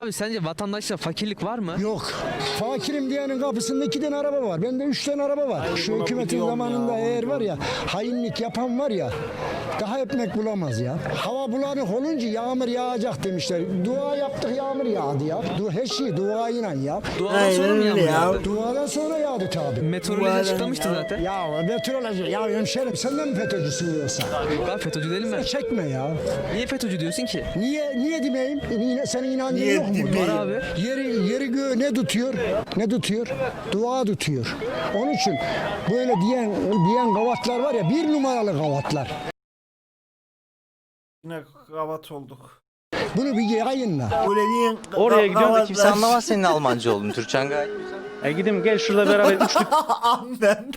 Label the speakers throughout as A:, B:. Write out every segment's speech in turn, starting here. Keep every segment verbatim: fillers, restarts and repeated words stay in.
A: Abi sence vatandaşta fakirlik var mı?
B: Yok. Fakirim diyenin kapısında iki tane araba var. Bende üç tane araba var.
C: Ay,
B: Şu
C: bunu
B: hükümetin
C: biliyorum
B: zamanında
C: ya,
B: eğer
C: bunu
B: var ya hainlik yapan var ya daha ekmek bulamaz ya. Hava bulanık olunca yağmur yağacak demişler. Dua yaptık yağmur yağdı ya. Du her şey duayla ya.
A: Duadan sonra mı yağmur yağdı?
B: Duadan sonra yağdı tabi.
A: Meteoroloji açıklamıştı zaten.
B: Ya meteoroloji ya hemşerim sen de mi FETÖ'cüsün yoksa?
A: Yok abi FETÖ'cü değilim ben.
B: Çekme ya.
A: Niye FETÖ'cü diyorsun ki?
B: Niye niye demeyeyim? Niye, senin inancın
C: Niye
B: yok mu?
C: demeyeyim?
A: Var abi.
B: Yeri yeri göğü ne tutuyor? Ne tutuyor? Dua tutuyor. Onun için böyle diyen diyen gavatlar var ya bir numaralı gavatlar.
C: Yine kavat olduk.
B: Bunu bir yayınla.
C: Öyle diyen
D: Oraya gidiyorsun da
C: gavatlar-
D: kimse anlamaz senin Almanca olduğunu. Türkçen gayet güzel.
E: E gidin gel şurada beraber üçlü
C: Annen.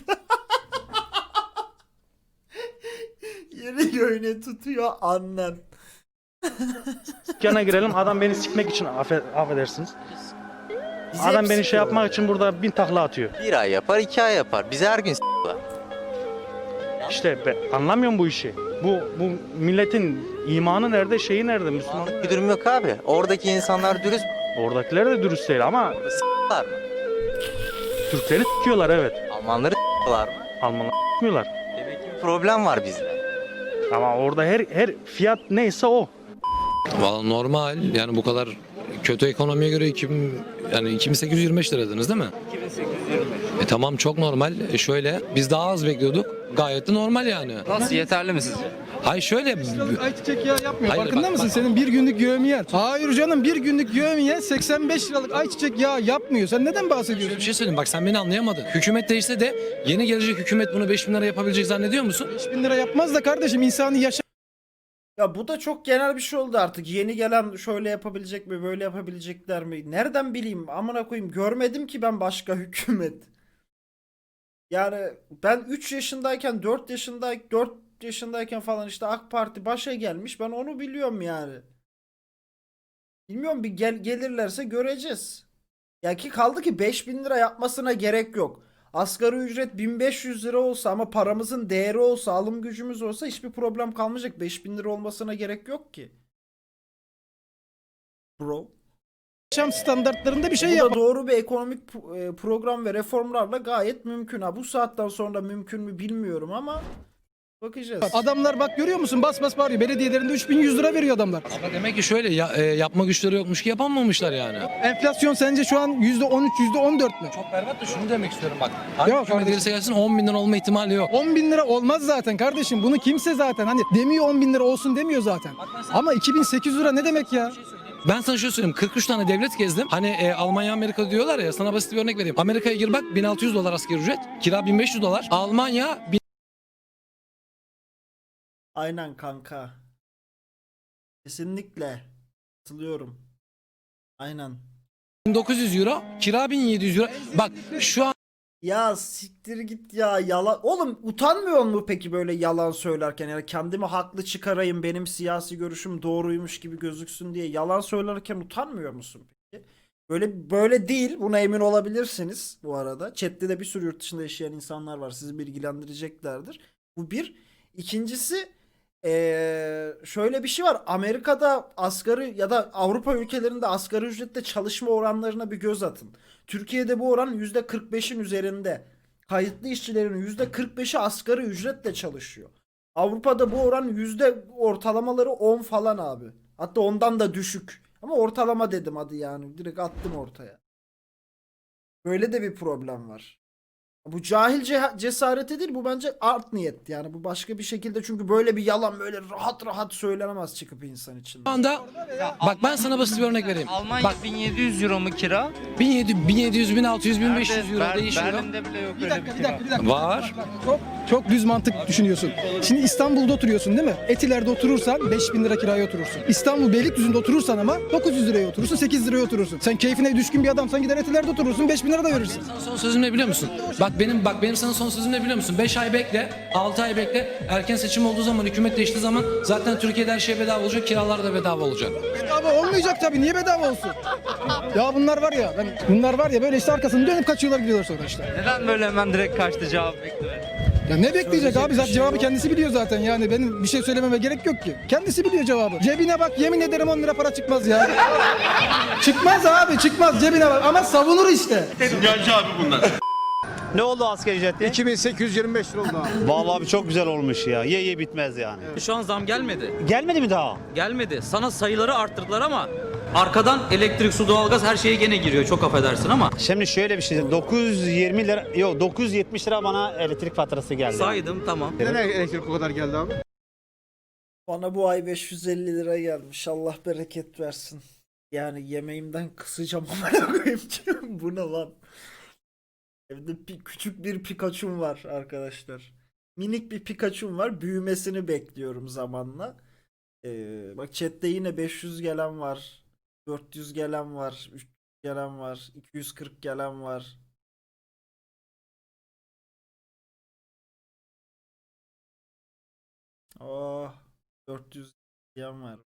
C: Yeri göğüne tutuyor annen.
E: dükkana girelim. Adam beni sikmek için affe, affedersiniz.
C: Bizi
E: Adam
C: hep
E: beni şey
C: sıkıyor.
E: yapmak için burada bin takla atıyor.
D: Bir ay yapar, iki ay yapar. Bizi her gün s**lar.
E: İşte ben anlamıyorum bu işi. Bu bu milletin imanı nerede, şeyi nerede, Müslüman?
D: Bir durum yok abi. Oradaki insanlar dürüst
E: Oradakiler de dürüst değil ama
D: s**lar mı?
E: Türkleri s**kiyorlar evet.
D: Almanları s**lar mı?
E: Almanlar s**miyorlar.
D: Demek ki bir problem var bizde.
E: Ama orada her her fiyat neyse o.
F: Valla normal yani bu kadar kötü ekonomiye göre iki bin, yani iki bin sekiz yüz yirmi beş liradınız değil mi?
D: iki bin sekiz yüz yirmi beş.
F: E tamam çok normal. E şöyle biz daha az bekliyorduk. Gayet de normal yani.
G: Nasıl, yeterli mi sizce?
F: Hayır şöyle
H: Ayçiçek yağı yapmıyor.
F: Hayır,
H: Farkında
F: bak,
H: mısın?
F: bak.
H: Senin bir günlük yövmiyen. Hayır canım, bir günlük yövmiyen seksen beş liralık ayçiçek yağı yapmıyor. Sen neden
F: şöyle
H: bahsediyorsun?
F: bir şey söyleyeyim bak sen beni anlayamadın. Hükümet değişse de yeni gelecek hükümet bunu beş bin lira yapabilecek zannediyor musun?
H: beş bin lira yapmaz da kardeşim, insanı yaşa
C: Ya bu da çok genel bir şey oldu artık. Yeni gelen şöyle yapabilecek mi, böyle yapabilecekler mi? Nereden bileyim? Amına koyayım. Görmedim ki ben başka hükümet. Yani ben üç yaşındayken, dört yaşında dört yaşındayken falan işte AK Parti başa gelmiş. Ben onu biliyorum yani. Bilmiyorum, bir gel gelirlerse göreceğiz. Ya ki kaldı ki beş bin lira yapmasına gerek yok. Asgari ücret bin beş yüz lira olsa ama paramızın değeri olsa, alım gücümüz olsa hiçbir problem kalmayacak. beş bin lira olmasına gerek yok ki. Bro.
H: yaşam standartlarında bir şey
C: Bu
H: yap.
C: da doğru bir ekonomik p- e, program ve reformlarla gayet mümkün. Ha bu saatten sonra mümkün mü bilmiyorum ama bakacağız.
H: Adamlar bak görüyor musun? Bas bas bağırıyor. Belediyelerinde üç bin yüz lira veriyor adamlar.
F: Ama demek ki şöyle ya, e, yapma güçleri yokmuş ki yapamamışlar yani.
H: Enflasyon sence şu an yüzde on üç, yüzde on dört mü?
F: Çok berbat da şunu demek istiyorum bak. Hangi
H: Yok
F: hükümet
H: kardeşim.
F: gelirse gelsin on bin lira olma ihtimali yok.
H: on bin lira olmaz zaten kardeşim. Bunu kimse zaten hani demiyor, on bin lira olsun demiyor zaten. Ama iki bin sekiz yüz lira ne demek ya?
F: Ben sana şöyle söyleyeyim. kırk üç tane devlet gezdim. Hani e, Almanya, Amerika diyorlar ya. Sana basit bir örnek vereyim. Amerika'ya gir bak bin altı yüz dolar asgari ücret. Kira bin beş yüz dolar. Almanya
C: Aynen kanka. Kesinlikle. Katılıyorum. Aynen.
F: bin dokuz yüz euro. Kira bin yedi yüz euro. Bak şu an
C: Ya siktir git ya, yalan. Oğlum utanmıyor mu peki böyle yalan söylerken? Yani kendimi haklı çıkarayım, benim siyasi görüşüm doğruymuş gibi gözüksün diye yalan söylerken utanmıyor musun peki? Böyle böyle değil. Buna emin olabilirsiniz bu arada. Chat'te de bir sürü yurt dışında yaşayan insanlar var. Sizi bilgilendireceklerdir. Bu bir. İkincisi eee, şöyle bir şey var. Amerika'da asgari ya da Avrupa ülkelerinde asgari ücretle çalışma oranlarına bir göz atın. Türkiye'de bu oran yüzde kırk beşin üzerinde. Kayıtlı işçilerin yüzde kırk beşi asgari ücretle çalışıyor. Avrupa'da bu oran yüzde ortalamaları on falan abi. Hatta ondan da düşük. Ama ortalama dedim hadi yani. Direkt attım ortaya. Böyle de bir problem var. Bu cahilce cesareti değil, bu bence art niyet yani, bu başka bir şekilde, çünkü böyle bir yalan böyle rahat rahat söylenemez çıkıp insan içinde.
F: anda bak ben sana basit bir örnek vereyim.
G: Almanya
F: Bak
G: bin yedi yüz euro mu kira?
F: bin yedi yüz, bin yedi yüz, bin altı yüz, bin beş yüz euro
G: Ber-
F: değişiyor.
G: Berlin'de bile yok
H: Bir
G: öyle
H: dakika,
G: bir
H: bir dakika,
G: kira.
H: bir dakika.
F: Var.
H: Çok çok düz mantık düşünüyorsun. Şimdi İstanbul'da oturuyorsun değil mi? Etiler'de oturursan beş bin lira kiraya oturursun. İstanbul Beylikdüzü'nde oturursan ama dokuz yüz liraya oturursun, sekiz liraya oturursun. Sen keyfine düşkün bir adamsan gider Etiler'de oturursun, beş bin lira da verirsin.
F: Sana son sözüm ne biliyor musun? Bak benim bak benim sana son sözüm ne biliyor musun? beş ay bekle, altı ay bekle. Erken seçim olduğu zaman, hükümet değiştiği zaman zaten Türkiye'de her şey bedava olacak, kiralar da bedava olacak.
H: Bedava olmayacak tabii. Niye bedava olsun? Ya bunlar var ya, ben, bunlar var ya böyle işte arkasını dönüp kaçıyorlar gidiyorlar sonra işte.
G: Neden böyle hemen direkt kaçtı, cevap beklemedi?
H: Ya ne bekleyecek
C: Söyleyecek
H: abi?
C: bir
H: Zaten
C: şey
H: cevabı
C: yok.
H: kendisi biliyor zaten. Yani benim bir şey söylememe gerek yok ki. Kendisi biliyor cevabı. Cebine bak, yemin ederim on lira para çıkmaz ya. Çıkmaz abi, çıkmaz, cebine bak. Ama savunur işte.
I: Ne oldu asgari ücrette?
B: iki bin sekiz yüz yirmi beş lira oldu abi.
I: Vallahi abi çok güzel olmuş ya. Ye ye bitmez yani.
G: Şu an zam gelmedi.
I: Gelmedi mi daha?
G: Gelmedi. Sana sayıları arttırdılar ama arkadan elektrik, su, doğalgaz her şeye gene giriyor. Çok affedersin ama.
I: Şimdi şöyle bir şey. dokuz yüz yirmi lira, yok dokuz yüz yetmiş lira bana elektrik faturası geldi.
G: Saydım tamam.
B: Neden elektrik o kadar geldi abi?
C: Bana bu ay beş yüz elli lira gelmiş. Allah bereket versin. Yani yemeğimden kısacağım ama koyayım. Bu ne lan? Evde bir, küçük bir Pikachu'm var arkadaşlar. Minik bir Pikachu'm var. Büyümesini bekliyorum zamanla. Ee, bak chatte yine beş yüz gelen var. dört yüz gelen var. üç yüz gelen var. iki yüz kırk gelen var. Oh, dört yüz gelen var.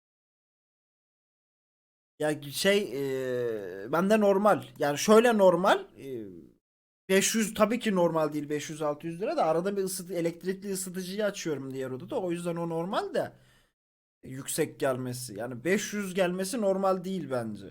C: Ya şey e, bende normal. Yani şöyle normal. E, beş yüz tabii ki normal değil, beş yüz altı yüz lira da arada bir ısıtı, elektrikli ısıtıcıyı açıyorum diğer odada. O yüzden o normal de yüksek gelmesi. Yani beş yüz gelmesi normal değil bence.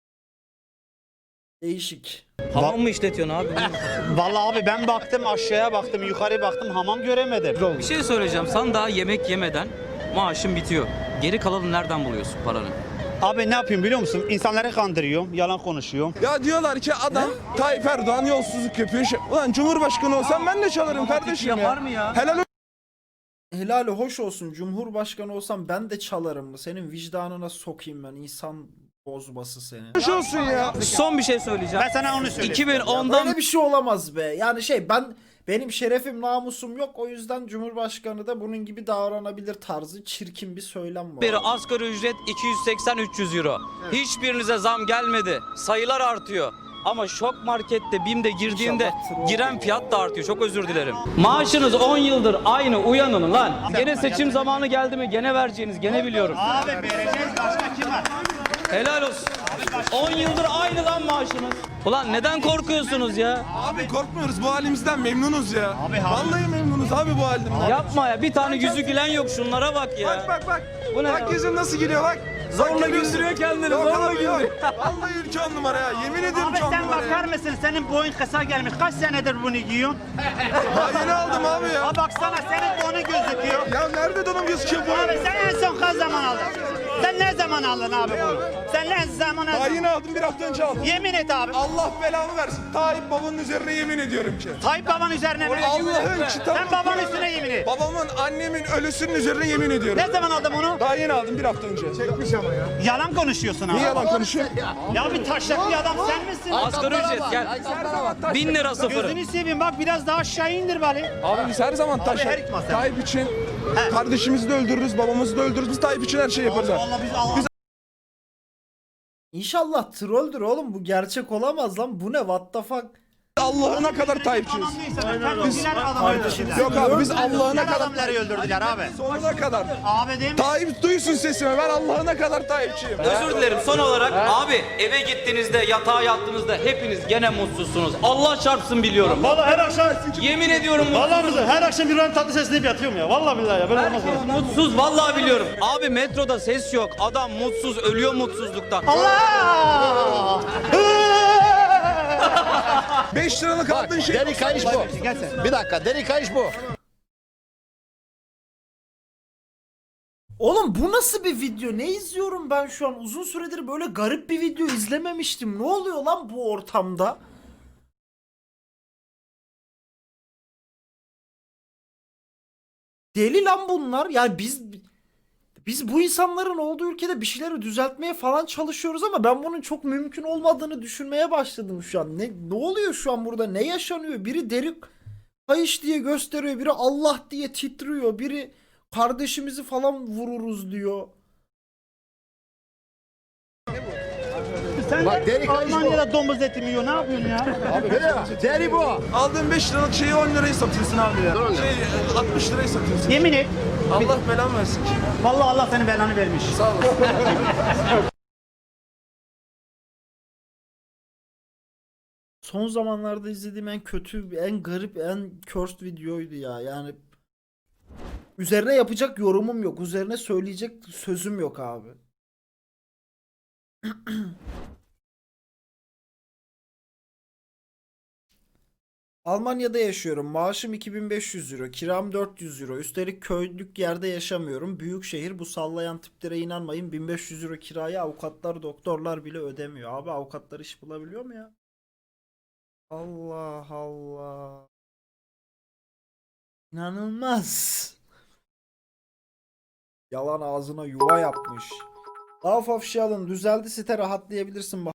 C: Değişik.
G: Hamam mı işletiyorsun abi?
I: Vallahi abi ben baktım aşağıya baktım, yukarı baktım, hamam göremedim.
G: Bir şey söyleyeceğim. Sen daha yemek yemeden maaşın bitiyor. Geri kalanı nereden buluyorsun paranı?
I: Abi ne yapayım biliyor musun? İnsanları kandırıyorum, yalan konuşuyorum.
J: Ya diyorlar ki adam Tayyip Erdoğan yolsuzluk yapıyor. Şey- Ulan Cumhurbaşkanı olsam ben de çalarım kardeşim ya.
G: Yapar mı ya?
J: Helal
C: Helali hoş olsun. Cumhurbaşkanı olsam ben de çalarım mı? Senin vicdanına sokayım ben. İnsan bozması seni.
J: hoş olsun ya.
G: Son bir şey söyleyeceğim.
I: Ben sana onu söyleyeyim.
G: iki bin ondan
C: Böyle bir şey olamaz be. Yani şey ben benim şerefim namusum yok. O yüzden Cumhurbaşkanı da bunun gibi davranabilir tarzı çirkin bir söylem var.
G: beri asgari ücret iki yüz seksen üç yüz euro. Hiçbirinize zam gelmedi. Sayılar artıyor. Ama şok markette BİM'de girdiğinde
C: İnşallah troll
G: giren
C: olur.
G: fiyat da artıyor. Çok özür dilerim. Maaşınız on yıldır aynı, uyanın lan. Gene seçim zamanı geldi mi gene vereceğiniz, gene biliyorum.
I: Abi vereceğiz, başka kim var?
G: Helal olsun. on yıldır aynı lan maaşınız. Ulan neden korkuyorsunuz ya?
J: Abi korkmuyoruz, bu halimizden memnunuz ya.
I: Abi,
J: Vallahi memnunuz abi bu halimden.
G: Yapma ya, bir tane yüzü gülen yok, şunlara bak ya.
J: Bak bak bak.
G: Bu ne
J: Bak
G: ya?
J: yüzün nasıl geliyor bak.
G: Zorla
J: Bak, görüyorsun.
G: güldürüyor kendini,
J: Yok
G: zorla
J: abi, yok.
G: güldürüyor.
J: Vallahi ülke on numara ya. Yemin ediyorum
I: Abi
J: ki on
I: sen
J: numara
I: bakar
J: ya.
I: mısın? Senin boyun kısa gelmiş. Kaç senedir bunu giyiyorsun?
J: Daha yeni aldım abi ya.
I: Ha baksana senin donu gözüküyor.
J: Ya nerede donum gözüküyor bu?
I: Abi sen en son kaç zaman aldın? Sen ne zaman aldın abi bunu? Sen ne zaman
J: Daha
I: aldın?
J: yeni aldım, bir hafta önce aldım.
I: Yemin et abi.
J: Allah belamı versin. Tayyip babanın üzerine yemin ediyorum ki.
I: Tayyip babanın üzerine mi?
J: Allah'ın kitabı.
I: Sen babanın üstüne yemin et.
J: Babamın, annemin ölüsünün üzerine yemin ediyorum.
I: Ne zaman aldın bunu?
J: Daha yeni aldım, bir hafta önce. Çekmiş ama ya.
I: Yalan konuşuyorsun abi.
J: Niye yalan konuşuyor?
I: Ya bir taşaklı adam sen misin?
G: Asgari ücret gel. Bin lira sıfırı.
I: Gözünü seveyim bak biraz daha aşağı indir bari.
J: Abi biz her zaman
I: her
J: taşak.
I: ikma sen.
J: Tayyip için kardeşimizi de öldürürüz, babamızı da öldürürüz. Biz Tayyip için her şeyi yaparız abi.
I: Allah biz Allah.
C: İnşallah trolldür oğlum, bu gerçek olamaz lan. Bu ne, what the fuck?
J: Allah'ına kadar Tayyipçiyiz.
I: Biz
C: Kardeşiniz-
J: Yok abi biz Allah'ına kadar.
I: adamları öldürdüler abi.
J: Sonuna kadar.
I: Abi değil mi?
J: Tayyip duysun sesimi, ben Allah'ına kadar Tayyipçiyim.
G: Özür dilerim, son olarak abi eve gittiğinizde, yatağa yattığınızda hepiniz gene mutsuzsunuz. Allah çarpsın biliyorum.
K: Vallahi her akşam
G: Yemin ediyorum
K: Vallahi
G: mutsuzum.
K: billahi her akşam bir tatlı sesini yatıyorum ya. Vallahi billahi ya. Böyle olmaz ya.
G: Herkes mutsuz, vallahi biliyorum. Abi metroda ses yok. Adam mutsuz, ölüyor mutsuzluktan.
I: Allah!
J: beş liralık aldığın şey.
B: Deri kayış bu. Bir dakika, deri kayış bu.
C: Oğlum bu nasıl bir video? Ne izliyorum ben şu an? Uzun süredir böyle garip bir video izlememiştim. Ne oluyor lan bu ortamda? Deli lan bunlar. Yani biz biz bu insanların olduğu ülkede bir şeyleri düzeltmeye falan çalışıyoruz ama ben bunun çok mümkün olmadığını düşünmeye başladım şu an. Ne ne oluyor şu an burada? Ne yaşanıyor? Biri deri kayış diye gösteriyor, biri Allah diye titriyor, biri kardeşimizi falan vururuz diyor.
I: Sen
B: Bak, deri kayış bu.
I: Almanya'da domuz eti mi yiyor? Ne yapıyorsun ya?
B: Deri bu.
J: Aldığın beş liralık şeyi on liraya satıyorsun abi ya. Şey altmış liraya satıyorsun.
I: Yemin et.
J: Allah belamı versin.
I: Vallahi Allah senin belanı vermiş.
J: Sağ olasın.
C: son zamanlarda izlediğim en kötü, en garip, en cursed videoydu ya. Yani üzerine yapacak yorumum yok. Üzerine söyleyecek sözüm yok abi. Almanya'da yaşıyorum. Maaşım iki bin beş yüz euro. Kiram dört yüz euro. Üstelik köylük yerde yaşamıyorum. Büyük şehir, bu sallayan tiplere inanmayın. bin beş yüz euro kiraya avukatlar, doktorlar bile ödemiyor. Abi avukatlar iş bulabiliyor mu ya? Allah Allah. İnanılmaz. Yalan ağzına yuva yapmış. Laf afşalın düzeldi, site rahatlayabilirsin.